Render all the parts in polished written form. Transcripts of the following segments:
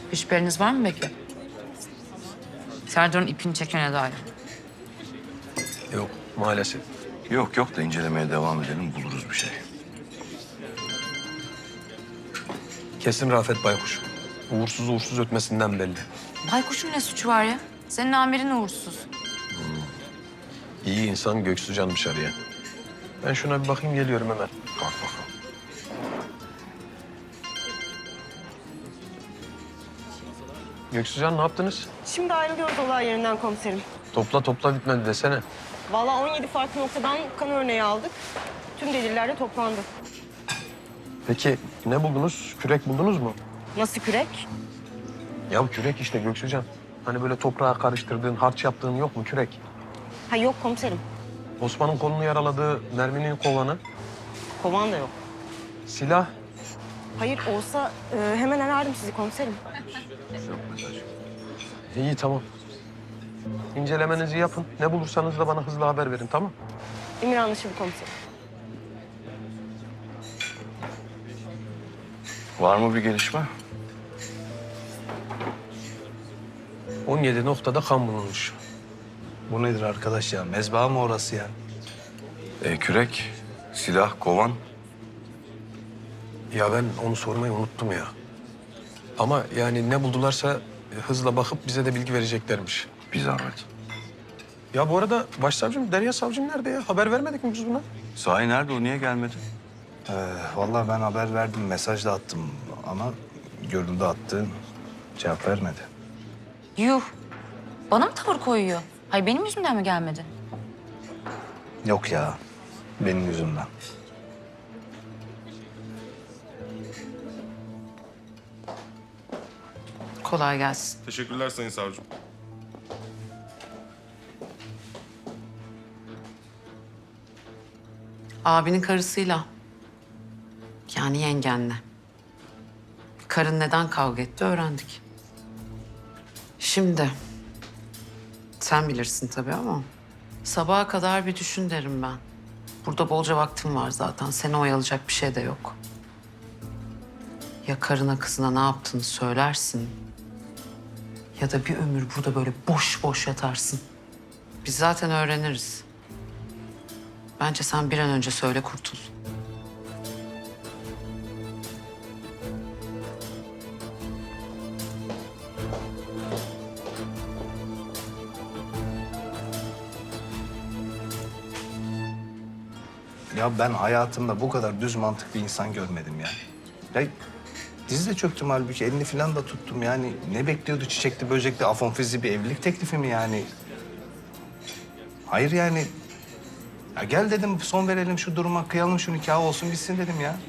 Bir şüpheniz var mı peki? Serdar'ın ipini çekene dair. Yok maalesef. Yok yok da incelemeye devam edelim, buluruz bir şey. Kesin Rafet Baykuş. Uğursuz ötmesinden belli. Baykuş'un ne suçu var ya? Senin amirin uğursuz. İyi insan Göksucan'mış araya. Ben şuna bir bakayım geliyorum hemen. Bak bakalım. Göksucan ne yaptınız? Şimdi ayrılıyoruz olay yerinden komiserim. Topla bitmedi desene. Vallahi 17 farklı noktadan kan örneği aldık. Tüm deliller de toplandı. Peki ne buldunuz? Kürek buldunuz mu? Nasıl kürek? Ya kürek işte Göksucan. Hani böyle toprağa karıştırdığın, harç yaptığın yok mu kürek? Ha yok komiserim. Osman'ın kolunu yaraladığı merminin kovanı, Kovan da yok. silah. Hayır olsa hemen arardım sizi komiserim. İyi tamam. İncelemenizi yapın. Ne bulursanız da bana hızlı haber verin tamam? Emir anlaşıldı komiserim. Var mı bir gelişme? 17 noktada kan bulunmuş. Bu nedir arkadaş ya? Mezba mı orası ya? Kürek, silah, kovan. Ya ben onu sormayı unuttum ya. Ama yani ne buldularsa hızla bakıp bize de bilgi vereceklermiş. Bir zahmet. Ya bu arada başsavcım, Derya savcım nerede ya? Haber vermedik mi biz buna? Sahi nerede o? Niye gelmedi? Vallahi ben haber verdim, mesaj da attım ama görüldü attı, cevap vermedi. Yuh. Bana mı tavır koyuyor? Hayır benim yüzümden mi gelmedi? Yok ya, benim yüzümden. Kolay gelsin. Teşekkürler Sayın Savcım. Abinin karısıyla. Yani yengenle. Karın neden kavga etti öğrendik. Şimdi sen bilirsin tabii ama sabaha kadar bir düşün derim ben. Burada bolca vaktim var zaten. Seni oyalayacak bir şey de yok. Ya karına kızına ne yaptığını söylersin ya da bir ömür burada böyle boş boş yatarsın. Biz zaten öğreniriz. Bence sen bir an önce söyle kurtul. Ya ben hayatımda bu kadar düz mantık bir insan görmedim ya. Ya dizide çöktüm halbuki, elini falan da tuttum yani. Ne bekliyordu çiçekli böcekli afonfizi bir evlilik teklifi mi yani? Hayır yani. Ya gel dedim, son verelim şu duruma, kıyalım şu nikahı olsun bitsin dedim ya.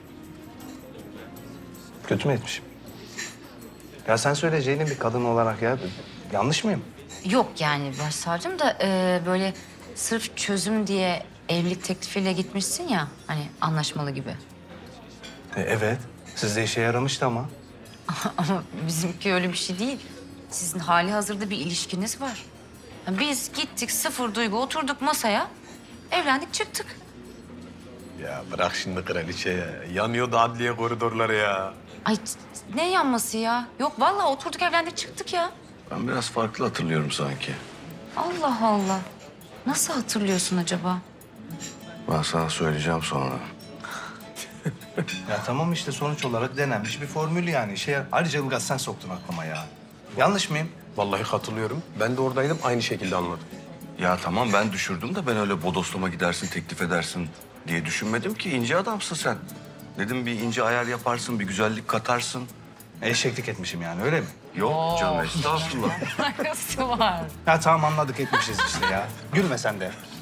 Kötü mü etmişim? Ya sen söyle Ceylin, bir kadın olarak ya. Yanlış mıyım? Yok yani başsavcım da böyle sırf çözüm diye evlilik teklifiyle gitmişsin ya hani anlaşmalı gibi. Evet. Sizde işe yaramıştı ama. Ama bizimki öyle bir şey değil. Sizin hali hazırda bir ilişkiniz var. Biz gittik sıfır duygu oturduk masaya evlendik çıktık. Ya bırak şimdi kraliçe ya. Yanıyordu adliye koridorları ya. Ay ne yanması ya? Yok vallahi oturduk evlendik çıktık ya. Ben biraz farklı hatırlıyorum sanki. Allah Allah. Nasıl hatırlıyorsun acaba? Ben sana söyleyeceğim sonra. Ya tamam işte, sonuç olarak denenmiş bir formül yani. Ayrıca Ilgaz sen soktun aklıma ya. Yanlış mıyım? Vallahi katılıyorum. Ben de oradaydım aynı şekilde anladım. Ya tamam ben düşürdüm de ben öyle bodoslama gidersin, teklif edersin diye düşünmedim ki. İnce adamsın sen. Dedim bir ince ayar yaparsın, bir güzellik katarsın. Eşeklik etmişim yani, öyle mi? Yok canım estağfurullah. Nasıl var? Ya tamam, anladık, etmişiz işte ya. Gülme sen de.